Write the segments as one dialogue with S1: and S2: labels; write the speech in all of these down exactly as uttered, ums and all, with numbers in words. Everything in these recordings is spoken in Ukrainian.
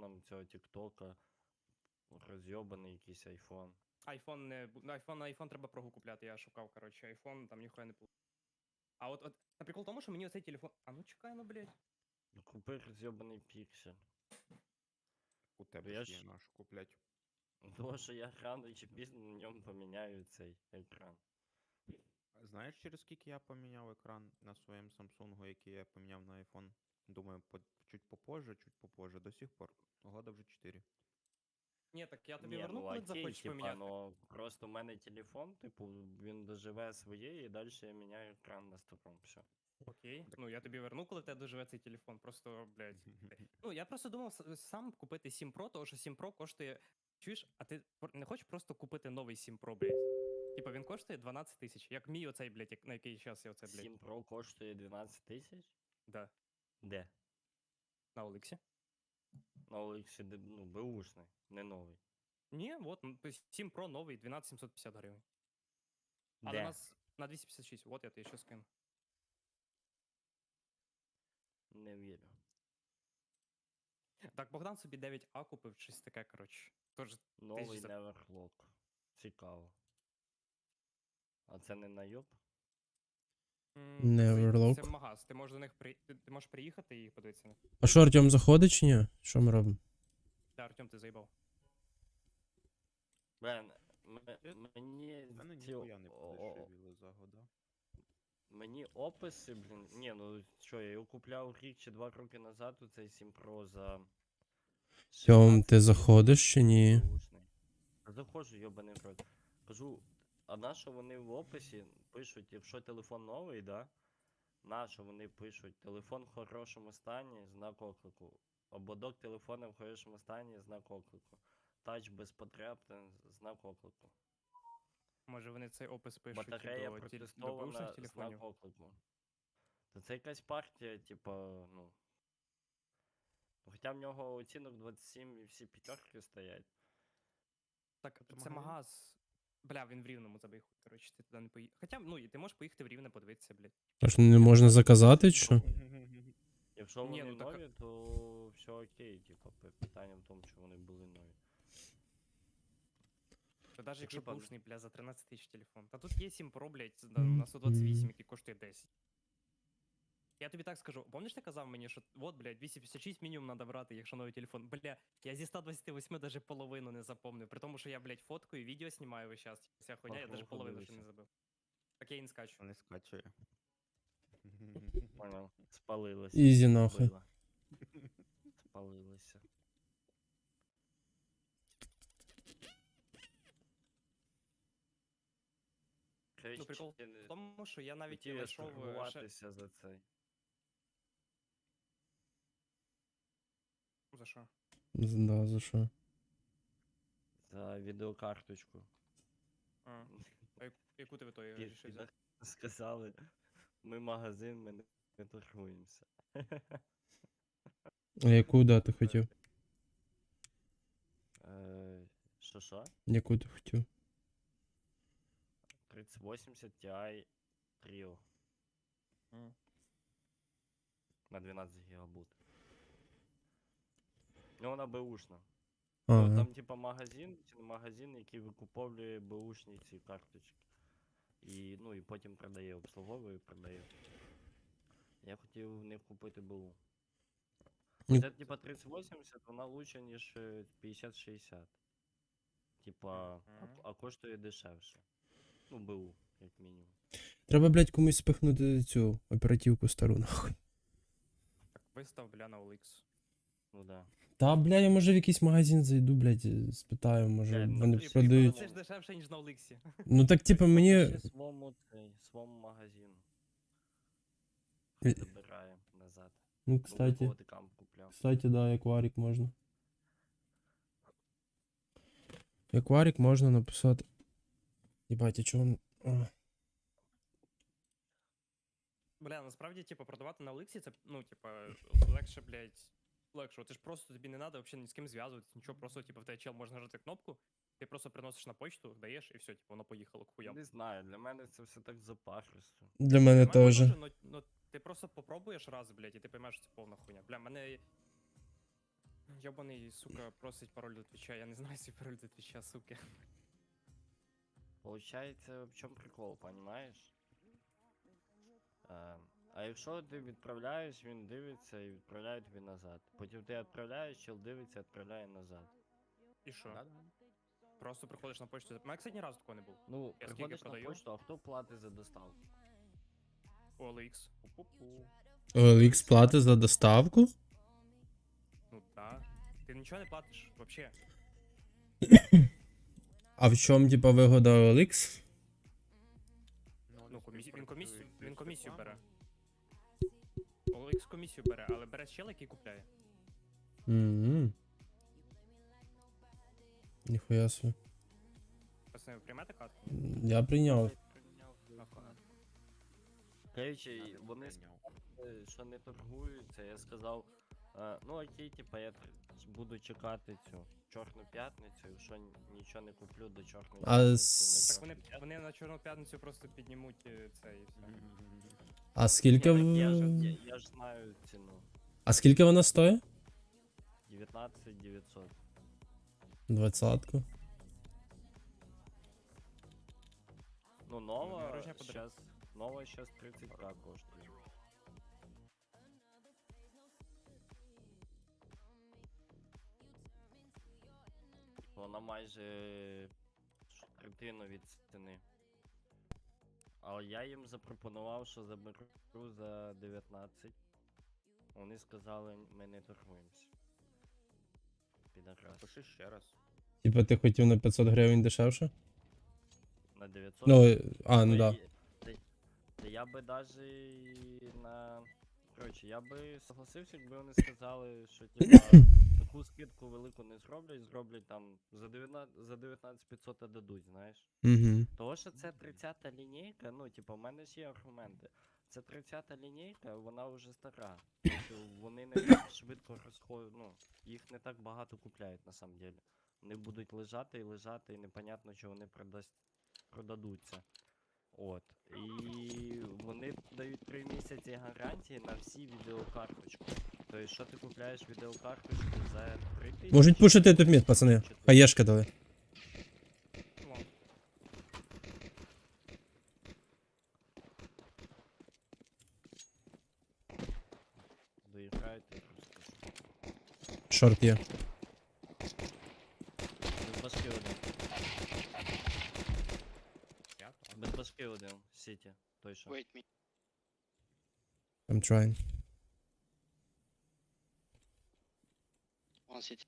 S1: айфоном цього тіктока. Розйобаний якийсь айфон.
S2: Айфон не бу- ну, айфон на айфон треба прогу купляти. Я шукав, коротше, айфон, там ніхуя не було. А от, от на прикол в тому, що мені оцей телефон. А ну чекай, ну блядь.
S1: Ну купи розйобаний піксель.
S3: У тебе
S1: Я
S3: ж є
S1: ж-
S3: наш куплять.
S1: Тому що я рано чи пізно на ньому поміняю цей екран.
S3: Знаєш, через скільки я поміняв екран на своєму Samsung, який я поміняв на iPhone? Думаю, по, чуть попозже, чуть попозже. До сих пор. Года вже чотири.
S2: Ні, так я тобі
S1: Ні,
S2: верну,
S1: ну
S2: коли
S1: окей,
S2: захочеш
S1: типа,
S2: поміняти.
S1: ну просто в мене телефон, типу, він доживе своє і далі я міняю екран на старому. Все.
S2: Окей. Ну я тобі верну, коли в тебе доживе цей телефон. Просто, блядь. Ну, я просто думав с- сам купити сім Pro, тому що сім Pro коштує. Чуєш, а ти пр- не хочеш просто купити новий сім Pro, блядь? Типа він коштує дванадцять тисяч. Як мій оцей, блядь, як- на який час я оце, блядь.
S1: сім Pro коштує дванадцять тисяч?
S2: Да,
S1: Де?
S2: на Олексі.
S1: На Олексі, ну, беушний, не новий.
S2: Ні, от м, то сім Pro новий, дванадцять сімсот п'ятдесят гривень. Але
S1: Де?
S2: у нас на двісті п'ятдесят шість, от я тобі ще скину.
S1: Не вірю.
S2: Так, Богдан собі дев'ять А купив, щось таке, коротше. Тож
S1: Новий
S2: за-
S1: Neverlock. Цікаво. А це не найоб?
S2: М,
S4: Neverlock.
S2: Це, це магаз. Ти можеш до них при... ти, ти можеш приїхати і подивитися на.
S4: А що, Артем заходить чи ні? Що ми робимо?
S2: Та, Артем, ти заїбав.
S1: Блин, м-
S3: Я-
S1: мені
S3: В мене
S1: ці
S3: ніхуя не
S1: о- о-
S3: подешевіло за года.
S1: Мені описи, блін. Ні, ну що, я його купляв рік чи два роки назад, у цей сім Pro за.
S4: Тьом,
S1: шістнадцять
S4: ти
S1: тисяч
S4: заходиш чи ні?
S1: беушний. Та заходжу, йобаний в рот. Кажу, а на що вони в описі пишуть, якщо телефон новий, да? На що вони пишуть, телефон в хорошому стані, знак оклику. Ободок телефона в хорошому стані, знак оклику. Тач без потреб, та знак оклику.
S2: Може вони цей опис пишуть
S1: Батарея
S2: до, тіль... до бушних
S1: протестована,
S2: телефонів.
S1: знак оклику. То це якась партія, типа, ну. Ну, Хоча в нього оцінок двадцять сім і всі п'ятерки стоять.
S2: Так,
S3: Це
S2: це
S3: магазин?
S2: магаз. Бля, він в Рівному забий хуй, коротше, ти туди не поїхав. Хоча, ну, і ти можеш поїхати в Рівне подивитися, блядь.
S4: Аж не можна заказати, чи що?
S1: Якщо
S2: Ні,
S1: вони
S2: ну так-
S1: нові, то все окей, типа, пи- питання в тому, що вони були нові.
S2: Та навіть якщо
S1: типа-
S2: бушний, бля, за тринадцять тисяч телефон. Та тут є сім Pro, блядь, на, на сто двадцять вісім, який коштує десять. Я тобі так скажу, помниш, ти казав мені, що от, блядь, двісті п'ятдесят шість мінімум треба брати, якщо новий телефон. Бля, я зі ста двадцяти восьми даже половину не запомнив, при тому, що я, блядь, фоткаю, відео знімаю весь час. Вся хуйня, я даже
S1: Похуй,
S2: половину ще не
S1: дивися.
S2: забив. Так я і не скачу.
S3: Не скачує.
S1: Понял. Спалилося.
S4: Ізі нахуй.
S1: Била. Спалилося.
S2: Ну, прикол в тому, що я навіть
S1: Хотів
S2: не
S1: я
S2: знайшов е, ще...
S1: сторгуватися за цей.
S2: За що?
S4: З- Да, за що?
S1: За відеокарточку.
S2: А, а яку- яку ти в ітогі
S1: Ті-
S2: вирішив
S1: ті
S2: взяти?
S1: так Сказали, ми магазин, ми не- не торгуємося.
S4: А яку дати хотів?
S1: Е, Що що?
S4: Яку ти хотів?
S1: тридцять вісімдесят Ti Trio
S2: М.
S1: на дванадцять гігабайт. Ну, вона беушна.
S4: А,
S1: Ну,
S4: ага.
S1: там, типа, магазин, чи магазин, який викуповує беушні ці карточки. І, ну, і потім продає, обслуговує і продає. Я хотів в них купити БУ.
S4: Ні.
S1: Це, типа, тридцять вісімдесят, вона лучше, ніж е, п'ятдесят шістдесят. Типа, а,
S2: Мгм.
S1: а коштує дешевше. Ну, БУ, як мінімум.
S4: Треба, блядь, комусь спихнути цю оперативку стару, нахуй.
S2: Так, вистав, бля, на о ел ікс.
S1: Ну да.
S4: Та, бля, я може в якийсь магазин зайду, блядь, спитаю, може
S1: Блядь, ну,
S4: вони
S1: ти ж
S4: продають.
S2: Це ж дешевше, ніж на о ел іксі.
S4: Ну так, типа, мені.
S1: Напиши Свому, цей, свому магазину. Хай
S4: Е.
S1: забирає назад.
S4: Ну,
S1: Ну,
S4: кстати.
S1: кого ти там купляв?
S4: Кстати, да, акварик можна. Акварик можна написати. Єбать, а чого він. А.
S2: Бля, насправді, типу, продавати на о ел іксі, це, ну, типа, легше, блядь, легше. Ти ж просто тобі не треба взагалі ні з ким зв'язуватися, нічого, просто, типу, в тебе чел може нажати кнопку, ти просто приносиш на почту, даєш, і все, типу, воно поїхало к хуям.
S1: Не знаю, для мене це все так запахисто.
S4: Для мене
S2: Для мене
S4: теж.
S2: теж, ну, ну, ти просто попробуєш раз, блядь, і ти поймеш, що це повна хуйня. Бля, мене... Йобаний, сука, просить пароль до твіча. Я не знаю свій пароль до твіча, суки.
S1: Получається, в чому прикол, понімаєш? А, а якщо ти відправляєш, він дивиться і відправляє тобі назад. Потім ти відправляєш, чел дивиться, відправляє назад.
S2: І що?
S3: Да-да.
S2: Просто приходиш на почту. У мене, кстати, ні разу такого не було.
S1: Ну,
S2: Я скільки
S1: приходиш на
S2: продаю?
S1: почту, а хто платить за доставку?
S2: о ел ікс. Пу-пу-пу.
S4: о ел ікс плати за доставку?
S2: Ну да. Ти нічого не платиш, вообще.
S4: А в чому, типа, вигода о ел ікс?
S2: Ну, комісію, він комісію,
S3: співпрацюють
S2: він
S3: з
S2: комісію бере.
S3: рекламою.
S2: о ел ікс комісію бере, але бере чел, який купляє.
S4: Угу. Ніхуя собі.
S2: Пацани, ви приймете катку?
S4: Я прийняв.
S1: Короче,
S3: Надо
S1: вони
S3: прийняв.
S1: сказали, що не торгуються, я сказав, «А, ну окей, типа, я тр- буду чекати цю Чорну п'ятницю, якщо н- нічого не куплю до Чорної
S4: А
S1: п'ятниці,
S4: с-
S1: на
S2: Так вони,
S1: Чорну
S2: вони на Чорну п'ятницю просто піднімуть е, це і все.
S4: А скільки
S1: Ні, так я, ж,
S4: в...
S1: я, я ж знаю ціну.
S4: А скільки вона стоїть?
S1: дев'ятнадцять дев'ятсот.
S4: Двадцятку.
S1: Ну, нова
S2: дорожня подарунок.
S1: сейчас, нова сейчас тридцать к коштує. Вона майже ш- третину від ціни. Але я їм запропонував, що заберу за дев'ятнадцять. Вони сказали, ми не торгуємося. Підакрас.
S3: Пиши ще раз.
S4: Типа ти хотів на п'ятсот гривень дешевше?
S1: На дев'ятсот.
S4: Ну, а, ну
S1: Та
S4: да.
S1: й- та- та я би даже і на. Коротше, я би согласився, якби вони сказали, що типа таку скидку велику не зроблять, зроблять там за дев'ятнадцять за дев'ятнадцять п'ятсот дадуть, знаєш.
S4: Угу.
S1: Того, що це тридцята лінійка, ну, типа, в мене ж є аргументи. Це тридцята лінійка, вона вже стара. Тобто вони не так швидко розходять, ну, їх не так багато купляють на самом деле. Вони будуть лежати і лежати, і непонятно, чи вони продасть, продадуться. От. І вони дають три місяці гарантії на всі відеокарточки. Тобто, що ти купляєш відеокарточку за три тисячі?
S4: Можуть пушити тут мід, пацани.
S1: чотири.
S4: Хаєшка дали.
S2: Вон.
S1: Доіграєте, я просто скажу.
S4: Шорт є.
S1: Без башки один.
S3: Я так.
S1: Без башки один. Сіті. Той що.
S5: Wait me.
S4: I'm trying.
S5: One city.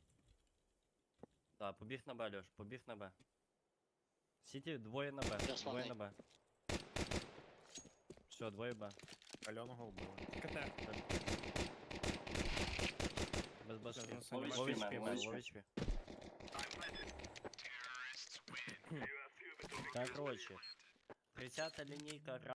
S1: Да, побіг на Б, Льош, побіг на Б. Сіті двоє на Б,
S5: Just
S1: двоє
S5: one
S1: на Б. Все, двоє Б.
S3: Кальоного вбили.
S2: КТ.
S1: Без башки.
S2: Зараз нема
S1: Лович
S2: Лович
S1: пі,
S2: пі,
S1: мен,
S2: лович пі.
S1: лович пі. Так, короче. тридцята лінійка